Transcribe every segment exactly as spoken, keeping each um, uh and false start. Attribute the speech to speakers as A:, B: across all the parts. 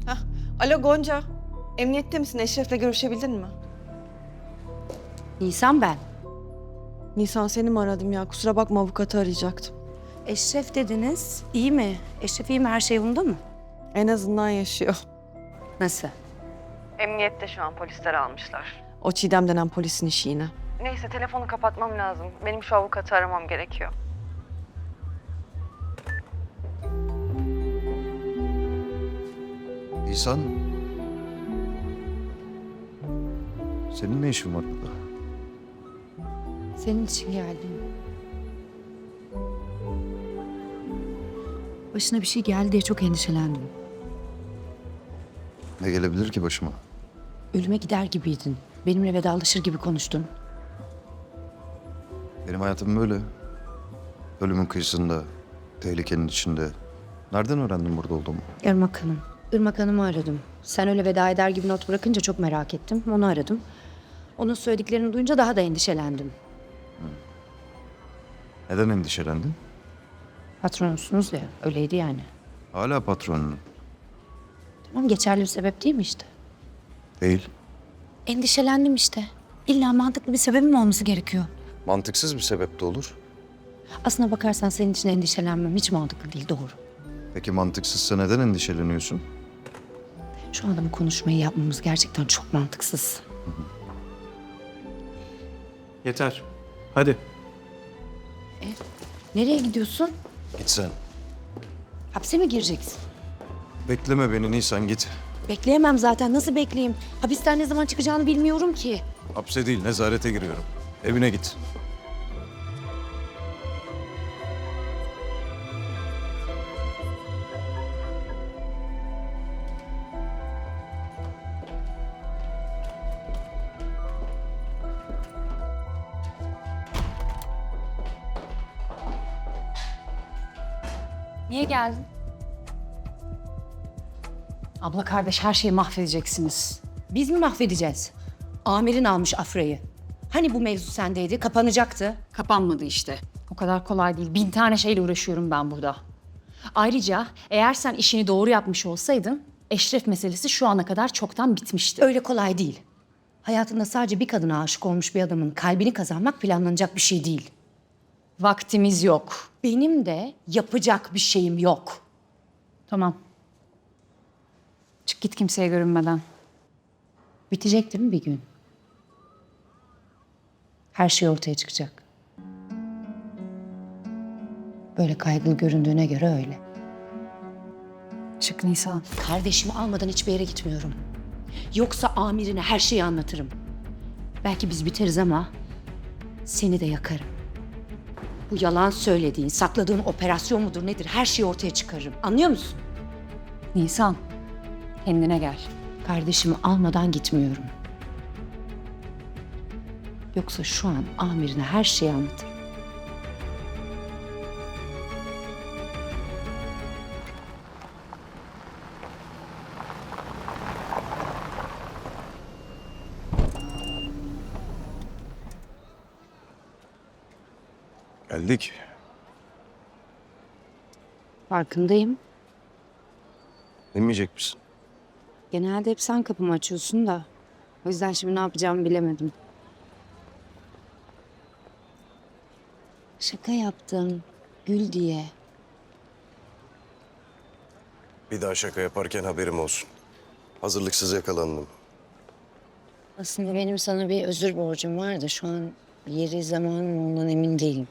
A: Hah. Alo Gonca. Emniyette misin? Eşref'le görüşebildin mi?
B: Nisan ben.
A: Nisan seni mi aradım ya? Kusura bakma avukatı arayacaktım.
B: Eşref dediniz. İyi mi? Eşref iyi mi? Her şey yolunda mı?
A: En azından yaşıyor.
B: Nasıl?
A: Emniyette şu an polisler almışlar. O Çiğdem denen polisin işi yine. Neyse telefonu kapatmam lazım. Benim şu avukatı aramam gerekiyor.
C: İhsan. Senin ne işin var burada?
B: Senin için geldim. Başına bir şey geldi diye çok endişelendim.
C: Ne gelebilir ki başıma?
B: Ölüme gider gibiydin. Benimle vedalaşır gibi konuştun.
C: Benim hayatım böyle. Ölümün kıyısında, tehlikenin içinde. Nereden öğrendin burada olduğumu?
B: Irmak Hanım. Irmak Hanım'ı aradım. Sen öyle veda eder gibi not bırakınca çok merak ettim. Onu aradım. Onun söylediklerini duyunca daha da endişelendim.
C: Neden endişelendin?
B: Patronusunuz ya, öyleydi yani.
C: Hala patronun.
B: Tamam, geçerli bir sebep değil mi işte?
C: Değil.
B: Endişelendim işte. İlla mantıklı bir sebebim olması gerekiyor.
C: Mantıksız bir sebep de olur.
B: Aslına bakarsan senin için endişelenmem hiç mantıklı değil, doğru.
C: Peki mantıksızsa neden endişeleniyorsun?
B: Şu anda bu konuşmayı yapmamız gerçekten çok mantıksız.
D: Yeter. Hadi.
B: Nereye gidiyorsun?
C: Git sen.
B: Hapse mi gireceksin?
C: Bekleme beni Nisan, git.
B: Bekleyemem zaten. Nasıl bekleyeyim? Hapisten ne zaman çıkacağını bilmiyorum ki.
C: Hapse değil, nezarete giriyorum. Evine git.
B: Niye geldin? Abla kardeş her şeyi mahvedeceksiniz. Biz mi mahvedeceğiz? Amirin almış Afra'yı. Hani bu mevzu sendeydi, kapanacaktı.
E: Kapanmadı işte. O kadar kolay değil. Bin tane şeyle uğraşıyorum ben burada. Ayrıca eğer sen işini doğru yapmış olsaydın Eşref meselesi şu ana kadar çoktan bitmişti.
B: Öyle kolay değil. Hayatında sadece bir kadına aşık olmuş bir adamın kalbini kazanmak planlanacak bir şey değil.
E: Vaktimiz yok.
B: Benim de yapacak bir şeyim yok.
E: Tamam. Çık git kimseye görünmeden.
B: Bitecek değil mi bir gün? Her şey ortaya çıkacak. Böyle kaygılı göründüğüne göre öyle.
E: Çık Nisan.
B: Kardeşimi almadan hiçbir yere gitmiyorum. Yoksa amirine her şeyi anlatırım. Belki biz biteriz ama seni de yakarım. Bu yalan söylediğin, sakladığın operasyon mudur nedir her şeyi ortaya çıkarırım. Anlıyor musun?
E: Nisan. Kendine gel.
B: Kardeşimi almadan gitmiyorum. Yoksa şu an amirine her şeyi anlatırım.
C: Geldik.
B: Farkındayım.
C: Demeyecek misin?
B: Genelde hep sen kapımı açıyorsun da. O yüzden şimdi ne yapacağımı bilemedim. Şaka yaptım. Gül diye.
F: Bir daha şaka yaparken haberim olsun. Hazırlıksız yakalandım.
B: Aslında benim sana bir özür borcum var da şu an yeri zamanı ondan emin değilim.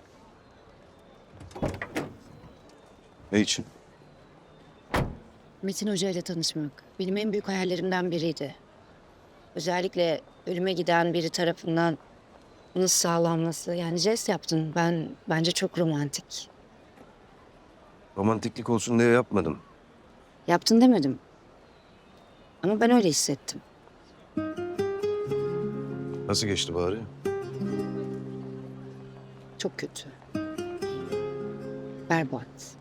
C: Ne için?
B: Metin Hoca ile tanışmak benim en büyük hayallerimden biriydi. Özellikle ölüme giden biri tarafından bunu sağlanması. Yani jest yaptın. Ben bence çok romantik.
F: Romantiklik olsun diye yapmadım.
B: Yaptın demedim. Ama ben öyle hissettim.
F: Nasıl geçti bari?
B: Çok kötü. Berbat.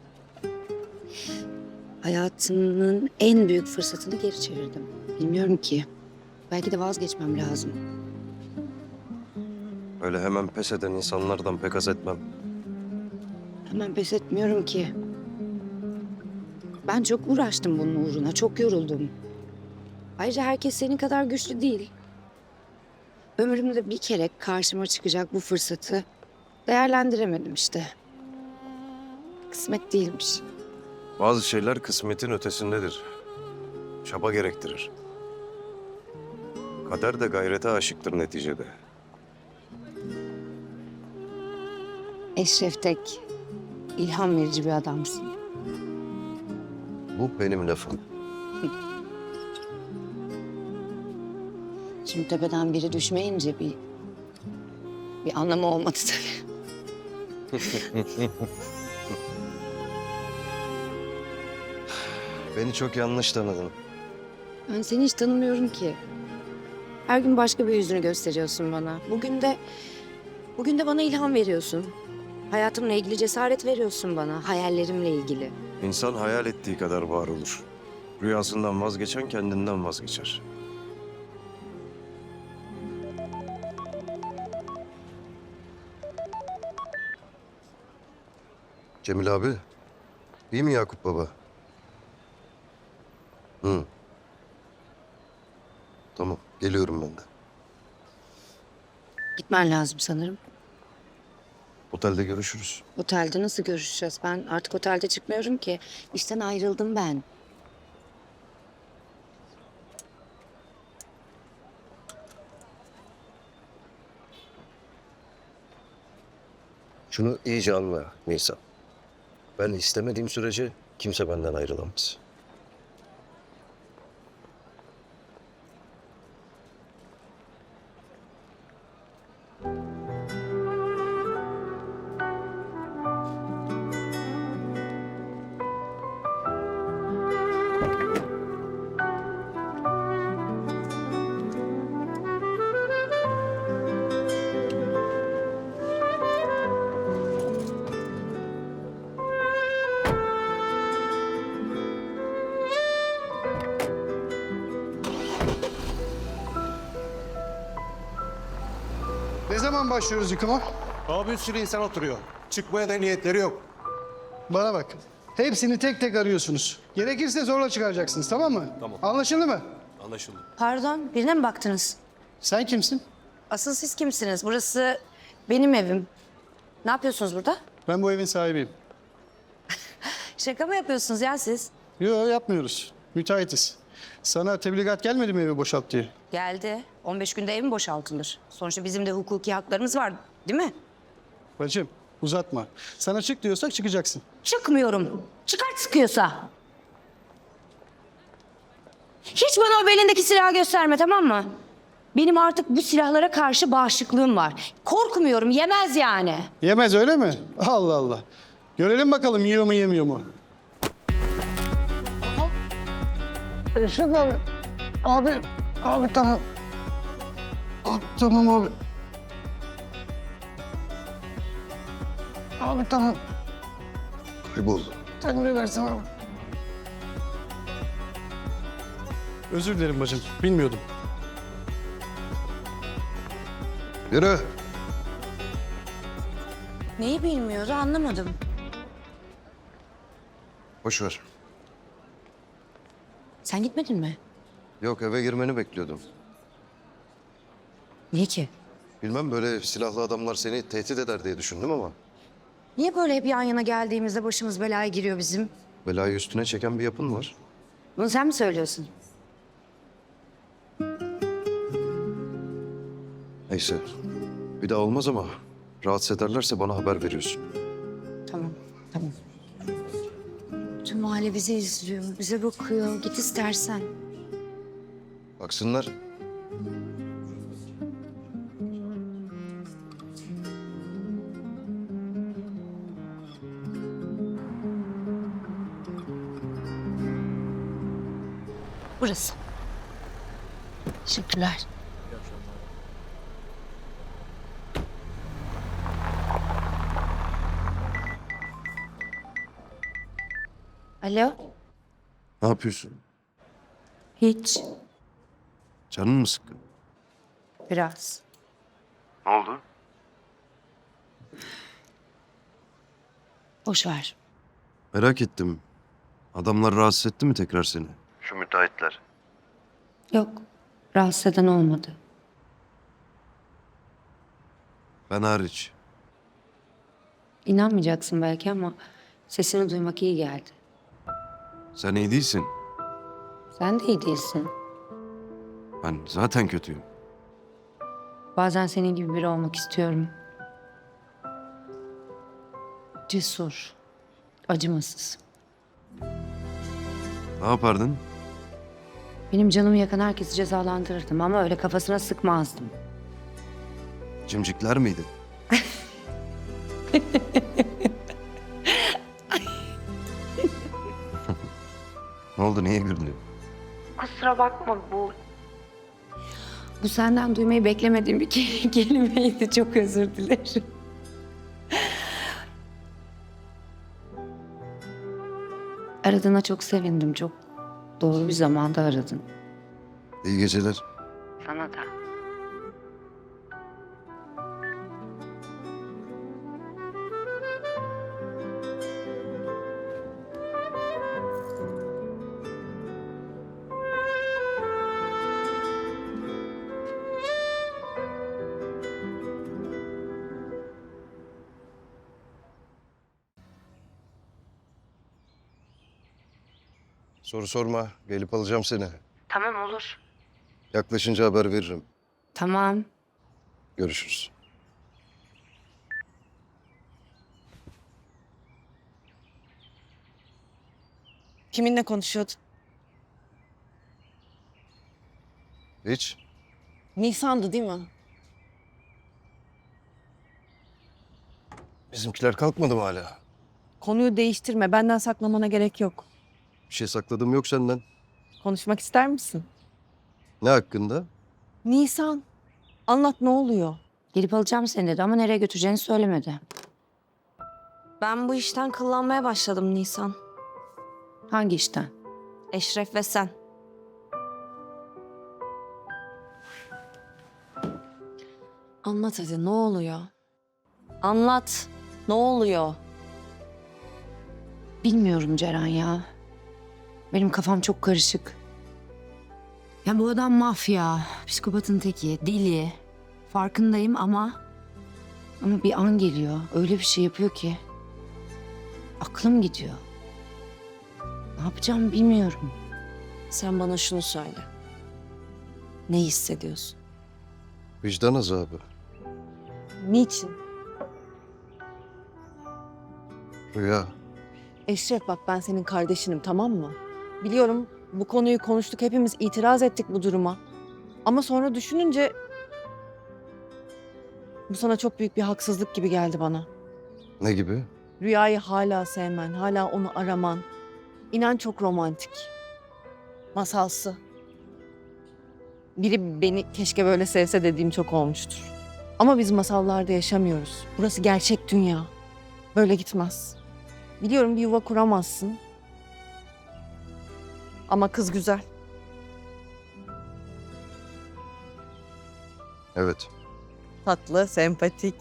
B: Hayatımın en büyük fırsatını geri çevirdim. Bilmiyorum ki. Belki de vazgeçmem lazım.
F: Öyle hemen pes eden insanlardan pek haz etmem.
B: Hemen pes etmiyorum ki. Ben çok uğraştım bunun uğruna, çok yoruldum. Ayrıca herkes senin kadar güçlü değil. Ömrümde bir kere karşıma çıkacak bu fırsatı değerlendiremedim işte. Kısmet değilmiş.
F: Bazı şeyler kısmetin ötesindedir. Çaba gerektirir. Kader de gayrete aşıktır neticede.
B: Eşref Tek, ilham verici bir adamsın.
F: Bu benim lafım.
B: Şimdi tepeden biri düşmeyince bir bir anlamı olmadı tabii.
F: Beni çok yanlış tanıdın.
B: Ben seni hiç tanımıyorum ki. Her gün başka bir yüzünü gösteriyorsun bana. Bugün de bugün de bana ilham veriyorsun. Hayatımla ilgili cesaret veriyorsun bana, hayallerimle ilgili.
F: İnsan hayal ettiği kadar var olur. Rüyasından vazgeçen kendinden vazgeçer. Cemil abi, iyi mi Yakup baba? Hı. Tamam, geliyorum ben de.
B: Gitmen lazım sanırım.
F: Otelde görüşürüz.
B: Otelde nasıl görüşeceğiz? Ben artık otelde çıkmıyorum ki. İşten ayrıldım ben.
F: Şunu iyice anla Nisan. Ben istemediğim sürece kimse benden ayrılamaz.
G: Ne zaman başlıyoruz yıkıma?
H: Abi bir sürü insan oturuyor. Çıkmaya da niyetleri yok.
G: Bana bak. Hepsini tek tek arıyorsunuz. Gerekirse zorla çıkaracaksınız, tamam mı?
H: Tamam.
G: Anlaşıldı mı?
H: Anlaşıldı.
B: Pardon, birine mi baktınız?
G: Sen kimsin?
B: Asıl siz kimsiniz? Burası benim evim. Ne yapıyorsunuz burada?
G: Ben bu evin sahibiyim.
B: Şaka mı yapıyorsunuz ya siz?
G: Yok yapmıyoruz. Müteahhitiz. Sana tebligat gelmedi mi evi boşalt diye?
B: Geldi. on beş günde ev mi boşaltılır? Sonuçta bizim de hukuki haklarımız var, değil mi?
G: Bacım uzatma. Sana çık diyorsak çıkacaksın.
B: Çıkmıyorum. Çıkart sıkıyorsa. Hiç bana o belindeki silahı gösterme, tamam mı? Benim artık bu silahlara karşı bağışıklığım var. Korkmuyorum, yemez yani.
G: Yemez öyle mi? Allah Allah. Görelim bakalım yiyor mu yemiyor mu? Eşref abi. Abi. Abi tamam. Abi tamam abi. Abi tamam.
F: Kaybol.
G: Tanrı versin abi. Özür dilerim bacım. Bilmiyordum.
F: Yürü.
B: Neyi bilmiyordu anlamadım.
F: Boş ver.
B: Sen gitmedin mi?
F: Yok, eve girmeni bekliyordum.
B: Niye ki?
F: Bilmem, böyle silahlı adamlar seni tehdit eder diye düşündüm ama
B: Niye böyle hep yan yana geldiğimizde başımız belaya giriyor bizim?
F: belayı üstüne çeken bir yapın var.
B: Bunu sen mi söylüyorsun?
F: Neyse. Bir daha olmaz ama rahatsız ederlerse bana haber veriyorsun.
B: Tamam, tamam. Tüm mahalle bizi izliyor, bize bakıyor. Git istersen.
F: Baksınlar.
B: Burası. Teşekkürler. Alo?
F: Ne yapıyorsun?
B: Hiç.
F: Canın mı sıkkın?
B: Biraz.
F: Ne oldu?
B: Boş ver.
F: Merak ettim.
C: Adamlar rahatsız etti mi tekrar seni? Şu müteahhitler.
B: Yok, rahatsız eden olmadı.
C: Ben hariç.
B: İnanmayacaksın belki ama sesini duymak iyi geldi.
C: Sen iyi değilsin.
B: Sen de iyi değilsin.
C: Ben zaten kötüyüm.
B: Bazen senin gibi biri olmak istiyorum. Cesur, acımasız.
C: Ne yapardın?
B: Benim canımı yakan herkesi cezalandırırdım ama öyle kafasına sıkmazdım.
C: Cimcikler miydi? Ne oldu? Niye güldün?
A: Kusura bakma bu.
B: Bu senden duymayı beklemediğim bir ke- kelimeydi. Çok özür dilerim. Aradığına çok sevindim. Çok doğru bir zamanda aradın.
C: İyi geceler.
B: Sana da.
F: Soru sorma. Gelip alacağım seni.
B: Tamam olur.
F: Yaklaşınca haber veririm.
B: Tamam.
F: Görüşürüz.
A: Kiminle konuşuyordun?
F: Hiç.
A: Nisan'dı değil mi?
F: Bizimkiler kalkmadı mı hala?
A: Konuyu değiştirme. Benden saklamana gerek yok.
F: Bir şey sakladığım yok senden.
A: Konuşmak ister misin?
F: Ne hakkında?
A: Nisan. Anlat ne oluyor?
B: Gelip alacağım seni dedi ama nereye götüreceğini söylemedi.
I: Ben bu işten kıllanmaya başladım Nisan.
B: Hangi işten?
I: Eşref ve sen. Anlat hadi ne oluyor? Anlat. Ne oluyor?
B: Bilmiyorum Ceren ya. Benim kafam çok karışık. Ya bu adam mafya, psikopatın teki, deli. Farkındayım ama... Ama bir an geliyor. Öyle bir şey yapıyor ki... Aklım gidiyor. Ne yapacağımı bilmiyorum.
I: Sen bana şunu söyle. Ne hissediyorsun?
F: Vicdan azabı.
A: Niçin?
F: Rüya.
A: Eşref bak ben senin kardeşinim tamam mı? Biliyorum bu konuyu konuştuk hepimiz itiraz ettik bu duruma. Ama sonra düşününce... Bu sana çok büyük bir haksızlık gibi geldi bana.
F: Ne gibi?
A: Rüyayı hala sevmen, hala onu araman. İnan çok romantik. Masalsı. Biri beni keşke böyle sevse dediğim çok olmuştur. Ama biz masallarda yaşamıyoruz. Burası gerçek dünya. Böyle gitmez. Biliyorum bir yuva kuramazsın. Ama kız güzel.
F: Evet.
A: Tatlı, sempatik.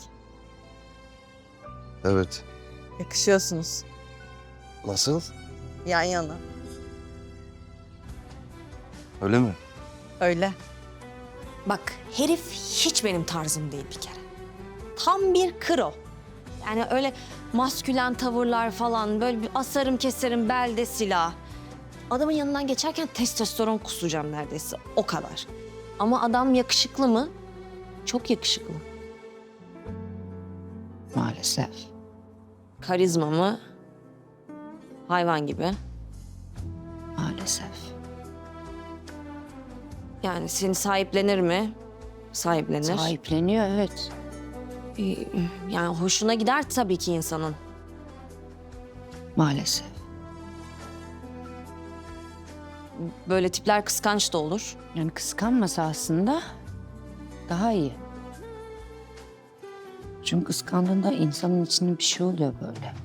F: Evet.
A: Yakışıyorsunuz.
F: Nasıl?
A: Yan yana.
F: Öyle mi?
A: Öyle.
I: Bak herif hiç benim tarzım değil bir kere. Tam bir kro. Yani öyle maskülen tavırlar falan böyle bir asarım keserim belde silah. Adamın yanından geçerken testosteron kusacağım neredeyse o kadar. Ama adam yakışıklı mı? Çok yakışıklı.
B: Maalesef.
I: Karizma mı? Hayvan gibi.
B: Maalesef.
I: Yani seni sahiplenir mi? Sahiplenir.
B: Sahipleniyor evet.
I: Ee, Yani hoşuna gider tabii ki insanın.
B: Maalesef.
I: Böyle tipler kıskanç da olur.
B: Yani kıskanmasa aslında daha iyi. Çünkü kıskandığında insanın içinde bir şey oluyor böyle.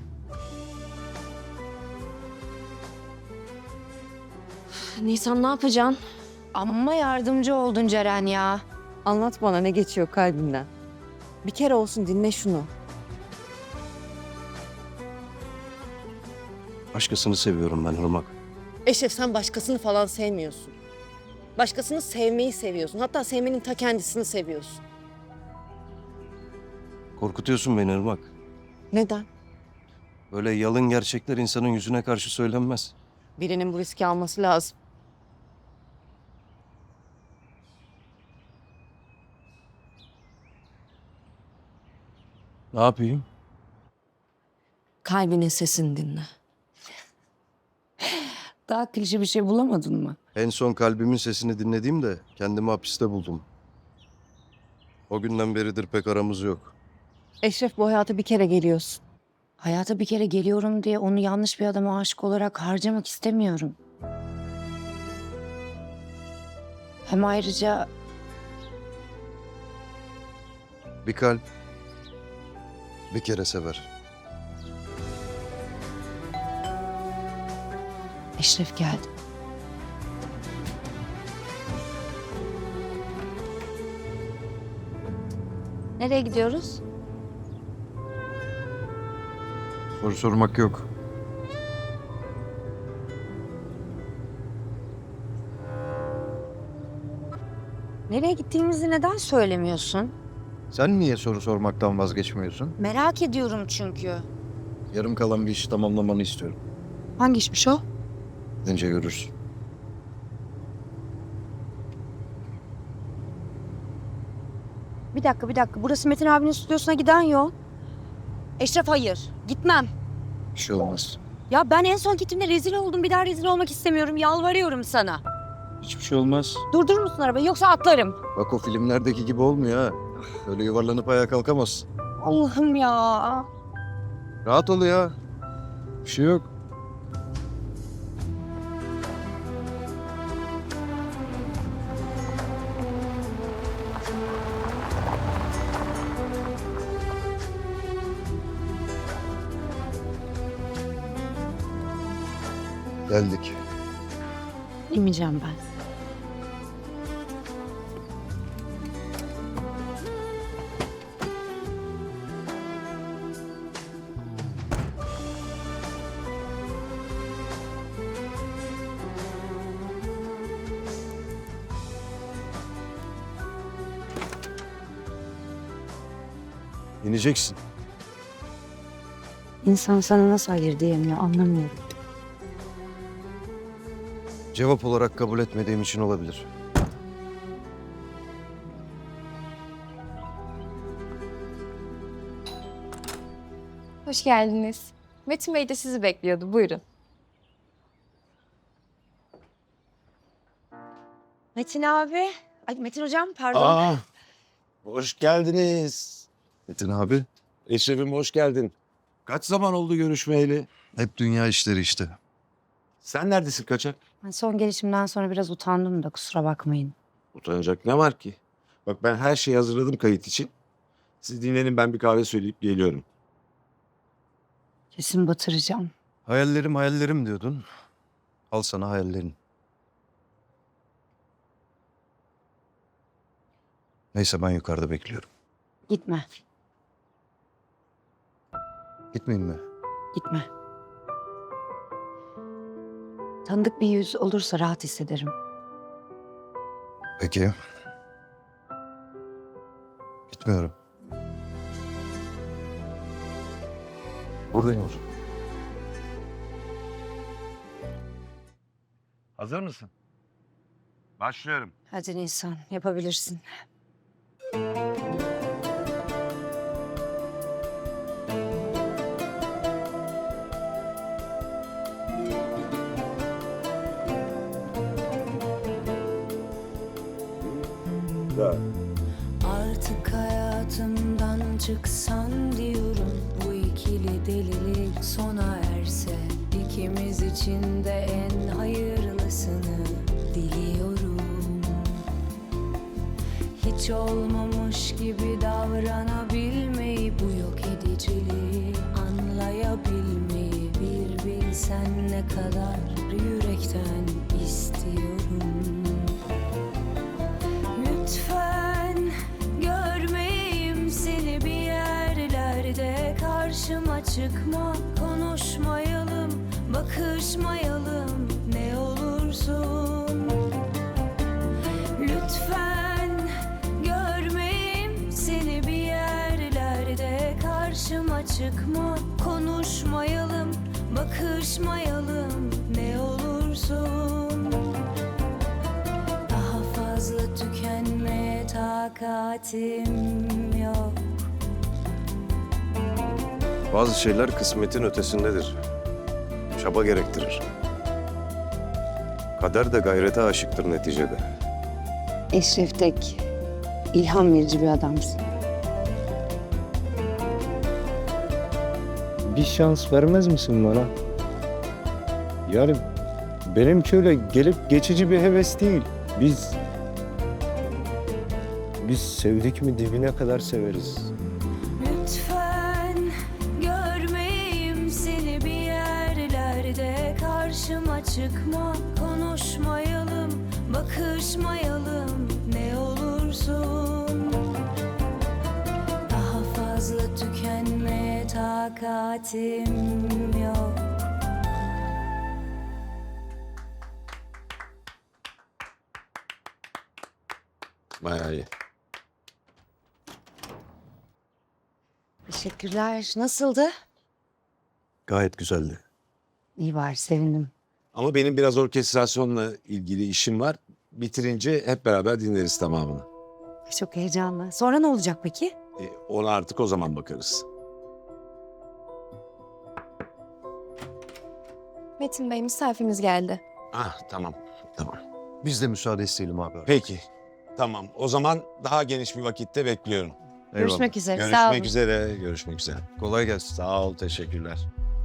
I: Nisan ne yapacaksın?
B: Amma yardımcı oldun Ceren ya.
A: Anlat bana ne geçiyor kalbinden. Bir kere olsun dinle şunu.
F: Başkasını seviyorum ben Irmak.
A: Eşref sen başkasını falan sevmiyorsun. Başkasını sevmeyi seviyorsun. Hatta sevmenin ta kendisini seviyorsun.
F: Korkutuyorsun beni Irmak.
A: Neden?
F: Böyle yalın gerçekler insanın yüzüne karşı söylenmez.
A: Birinin bu riski alması lazım.
F: Ne yapayım?
I: Kalbinin sesini dinle.
B: Daha klişe bir şey bulamadın mı?
F: En son kalbimin sesini dinlediğimde kendimi hapiste buldum. O günden beridir pek aramız yok.
A: Eşref bu hayata bir kere geliyorsun.
B: Hayata bir kere geliyorum diye onu yanlış bir adama aşık olarak harcamak istemiyorum. Hem ayrıca
C: Bir kalp bir kere sever.
B: Eşref geldi.
I: Nereye gidiyoruz?
C: Soru sormak yok.
I: Nereye gittiğimizi neden söylemiyorsun?
C: Sen niye soru sormaktan vazgeçmiyorsun?
I: Merak ediyorum çünkü.
C: Yarım kalan bir işi tamamlamanı istiyorum.
B: Hangi işmiş o?
C: Gidince görürsün.
I: Bir dakika bir dakika. Burası Metin abinin stüdyosuna giden yol. Eşref hayır. Gitmem.
C: Bir şey olmaz.
I: Ya ben en son gittiğimde rezil oldum. Bir daha rezil olmak istemiyorum. Yalvarıyorum sana.
C: Hiçbir şey olmaz.
I: Durdurur musun arabayı yoksa atlarım.
C: Bak o filmlerdeki gibi olmuyor ha. Öyle yuvarlanıp ayağa kalkamazsın.
I: Allah'ım ya.
C: Rahat ol ya. Bir şey yok. Geldik.
B: Bilmeyeceğim ben.
F: İneceksin.
B: İnsan sana nasıl hayır diyemiyor anlamıyorum.
F: Cevap olarak kabul etmediğim için olabilir.
E: Hoş geldiniz. Metin Bey de sizi bekliyordu. Buyurun.
I: Metin abi. Ay Metin hocam pardon.
J: Aa, hoş geldiniz.
C: Metin abi.
J: Eşref'im hoş geldin. Kaç zaman oldu görüşmeyeli?
C: Hep dünya işleri işte.
J: Sen neredesin kaçak?
B: Ben son gelişimden sonra biraz utandım da kusura bakmayın.
J: Utanacak ne var ki? Bak ben her şeyi hazırladım kayıt için. Siz dinlenin ben bir kahve söyleyip geliyorum.
B: Kesin batıracağım.
C: Hayallerim hayallerim diyordun. Al sana hayallerin. Neyse ben yukarıda bekliyorum.
B: Gitme,
C: Gitmeyeyim mi?
B: gitme. Tanıdık bir yüz olursa rahat hissederim.
C: Peki. Gitmiyorum. Buradayım o zaman.
J: Hazır mısın? Başlıyorum.
B: Hadi Nisan, yapabilirsin.
K: Artık hayatımdan çıksan diyorum, bu ikili delilik sona erse, ikimiz için de en hayırlısını diliyorum. Hiç olmamış gibi davranabilmeyi, bu yok ediciliği anlayabilmeyi, bir bilsen ne kadar yürekten istiyorum. Lütfen görmeyeyim seni bir yerlerde, karşıma çıkma, konuşmayalım, bakın çıkma, konuşmayalım, bakışmayalım ne olursun. Daha fazla tükenmeye takatim yok.
F: Bazı şeyler kısmetin ötesindedir. Çaba gerektirir. Kader de gayrete aşıktır neticede.
B: Eşref Tek, ilham verici bir adamsın.
L: Bir şans vermez misin bana? Yani benimki öyle gelip geçici bir heves değil. Biz... Biz sevdik mi dibine kadar severiz.
K: Lütfen görmeyeyim seni bir yerlerde, karşıma çıkma, konuşmayalım, bakışmayalım ne olursun. Daha fazla tükenmeye takatim yok.
J: Bayağı iyi.
B: Teşekkürler. Nasıldı?
F: Gayet güzeldi.
B: İyi var, sevindim.
J: Ama benim biraz orkestrasyonla ilgili işim var. Bitirince hep beraber dinleriz tamamını.
B: Çok heyecanlı. Sonra ne olacak peki?
J: E, ona artık o zaman bakarız.
E: Metin Bey, misafirimiz geldi.
J: Ah tamam, tamam.
C: Biz de müsaade isteyelim abi.
J: Peki, tamam. O zaman daha geniş bir vakitte bekliyorum.
B: Görüşmek üzere. Sağ olun.
J: Görüşmek üzere, görüşmek üzere.
C: Kolay gelsin.
J: Sağ ol, teşekkürler.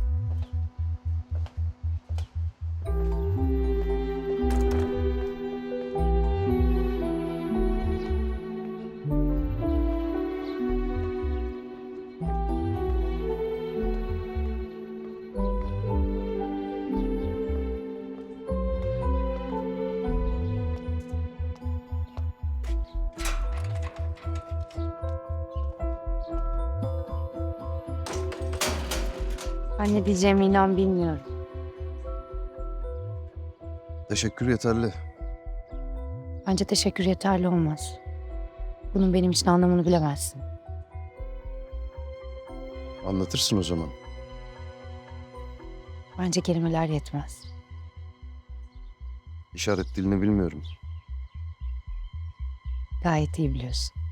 B: Ben ne diyeceğimi inan bilmiyorum.
C: Teşekkür yeterli.
B: Bence teşekkür yeterli olmaz. Bunun benim için anlamını bilemezsin.
C: Anlatırsın o zaman.
B: Bence kelimeler yetmez.
C: İşaret dilini bilmiyorum.
B: Gayet iyi biliyorsun.